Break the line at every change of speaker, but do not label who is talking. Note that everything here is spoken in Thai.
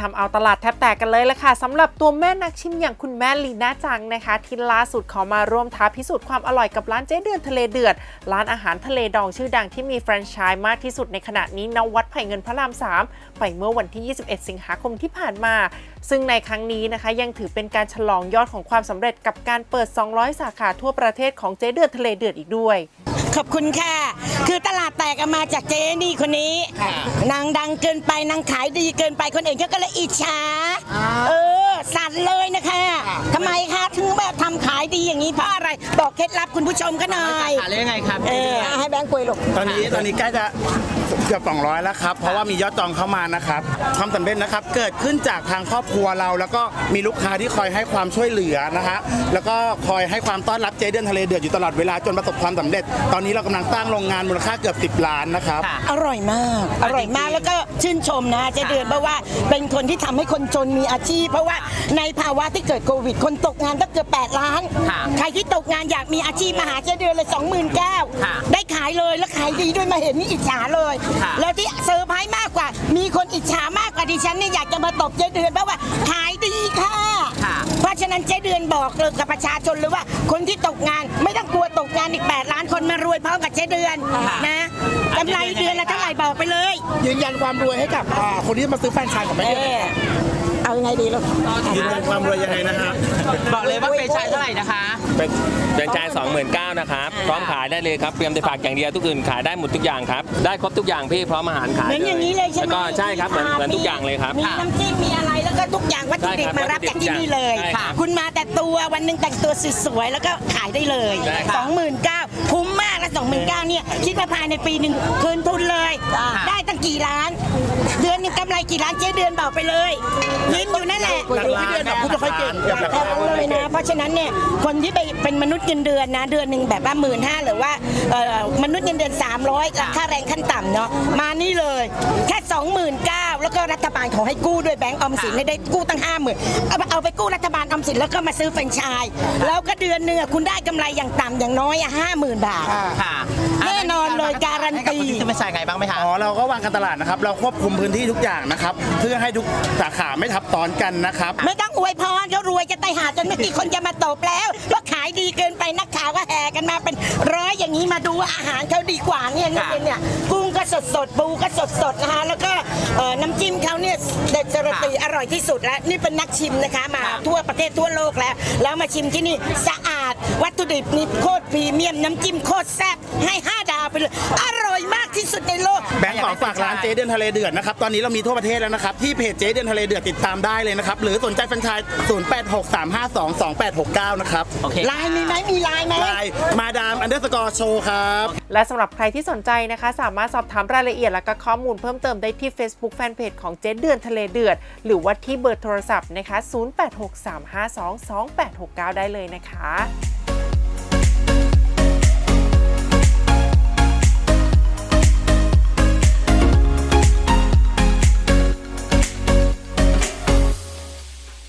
ทำเอาตลาดแทบแตกกันเลยละค่ะสำหรับตัวแม่นักชิมอย่างคุณแม่ลีน่าจังนะคะที่ล่าสุดขอมาร่วมท้าพิสูจน์ความอร่อยกับร้านเจ๊เดือนทะเลเดือดร้านอาหารทะเลดองชื่อดังที่มีแฟรนไชส์มากที่สุดในขณะนี้ณวัดไผ่เงินพระราม 3ไปเมื่อวันที่ 21 สิงหาคมที่ผ่านมาซึ่งในครั้งนี้นะคะยังถือเป็นการฉลองยอดของความสำเร็จกับการเปิด 200 สาขาทั่วประเทศของเจ๊เดือนทะเลเดือดอีกด้วย
ขอบคุณค่ะคือตลาดแตกมาจากเจ๊นี่คนนี้นางดังเกินไปนางขายดีเกินไปคนอื่นเขาก็เลยอิจฉาสั่นเลยนะคะทำไมคะถึงแบบทำขายดีอย่างนี้เพราะอะไรบอกเคล็ดลับคุณผู้ชมก็หน่อย
ขายได้ยังไงครับ
ให้แบงค์คุยลูก
ตอนนี้ใกล้จะเกือบ200แล้วครับเพราะว่ามียอดจองเข้ามานะครับความสำเร็จนะครับเกิดขึ้นจากทางครอบครัวเราแล้วก็มีลูกค้าที่คอยให้ความช่วยเหลือนะฮะแล้วก็คอยให้ความต้อนรับเจ๊เดือนทะเลเดือดอยู่ตลอดเวลาจนประสบความสำเร็จตอนนี้เรากำลังสร้างโรงงานมูลค่าเกือบ10 ล้านนะครับ
อร่อยมากแล้วก็ชื่นชมนะเจ๊เดือนเพราะว่าเป็นคนที่ทำให้คนจนมีอาชีพเพราะว่าในภาวะที่เกิดโควิดคนตกงานก็เกือบ8 ล้านใครที่ตกงานอยากมีอาชีพมาหาเจ๊เดือนเลย29,000ได้ขายเลยแล้วขายดีด้วยมาเห็นนี่อิจฉาเลยแล้วที่เซอร์ไพรส์มากกว่ามีคนอิจฉามากกว่าดิฉันเนี่ยอยากจะมาตบเจ๊เดือนเพราะว่าขายดีค่ะเพราะฉะนั้นเจ๊เดือนบอกเลยกับประชาชนเลยว่าคนที่ตกงานไม่ต้องกลัวตกงานอีก8 ล้านคนมารวยพร้อมกับเจ๊เดือนนะกำไรเดือนละเท่าไหร่บอกไปเลย
ยืนยันความรวยให้กับคนที่มาซื้อแฟรนไชส์ของแม่เดือน
เอายังไงดีลูก
ยืนยันความรวยยังไงนะครับ
บอกเลยว่าแฟรนไชส์เท่าไหร่นะคะ
เป็นแฟรนไชส์29,000นะครับพร้อมขายได้เลยครับเตรียมแต่ผักอย่างเดียวทุกอื่นขายได้หมดทุกอย่างครับได้ครบทุกอย่างพี่พร้อมอาหารขาย
เหมือนอย่างนี้เลยใช่ไหม
แล้วก็ใช่ครับเหมือนทุกอย่างเลยครับ
มีน้ำจิ้มมีอะไรแล้วก็ทุกอย่างวัตถุดิบมารับจากที่นี่เลยคุณมาแต่ตัววันหนึ่งแต่งตัวสวยๆแล้วก็ขายได้เลย29,000คุ้มมากและ29,000เนี่ยคิดว่าภายในปีหนึ่งคืนทุนเลยได้ตั้งกี่ล้านเดือนนึงกำไรกี่ล้านเจ๊เดือนบอกไปเลยยิ้มอยู่นั่นแหละ
หลักล้านนะพูดไม่ค่อยเก่ง
เลยนะเพราะฉะนั้นเนี่ยคนที่ไปเป็นมนุษย์เงินเดือนนะเดือนหนึ่งแบบว่า15,000หรือว่ามนุษย์เงินเดือน300ราคาแรงขั้นต่ำเนาะมานี่เลยแค่29,000แล้วก็รัฐบาลขอให้กู้ด้วยแบงก์ออมสินได้กู้ตั้ง50,000เอาไปกู้รัฐบาลออมสินแล้วก็มาซื้อแฟรนไชส์แล้วก็เดือนนึงคุณได้กำไรอย่างต่ำอย่างน้อย50,000 บาทแน่นอนเลยการันตี
ซื้อแฟรนไชส์ไงบ้างไหมคะ
เราก็วางการตลาดนะครับเราควบคุมพื้นที่ทุกอย่างนะครับเพื่อให้ทุกสาขาไม่ทับซ้อนกันนะครับ
ไม่ต้องอวยพรเขารวยจะตายหาจนไม่กี่คนจะมาตบแล้วว่าขายดีเกินไปนักข่าวก็แห่กันมาเป็นร้อยอย่างนี้มาดูว่าอาหารเขาดีกว่าเนี่ยกุ้งก็สดปูก็สดนะคะแล้วก็น้ำจิ้มเขาเนี่ยเด็ดสระตีอร่อยที่สุดแล้วนี่เป็นนักชิมนะคะมาทั่วประเทศทั่วโลกแล้วมาชิมที่นี่สะอาดวัตถุดิบนี่โคตรพรีเมียมน้ำจิ้มโคตรแซ่บให้5 ดาวไปเลยอร่อยมากที่สุดในโลก
แบงค์ขอฝากร้านเจ๊เดือนทะเลเดือดนะครับตอนนี้เรามีทั่วประเทศแล้วนะครับที่เพจเจ๊เดือนทะเลเดือดติดตามได้เลยนะครับหรือสนใจแฟรนไชส์0863522869นะครับ
ไลน์มีไหมมีไลน์ไหม
ไลน์มาดาม _show ครับ
และสำหรับใครที่สนใจนะคะสามารถสอบถามรายละเอียดและก็ข้อมูลเพิ่มเติมได้ที่ Facebook Fanpage ของเจ๊เดือนทะเลเดือดหรือว่าที่เบอร์โทรศัพท์นะคะ0863522869ได้เลยนะคะ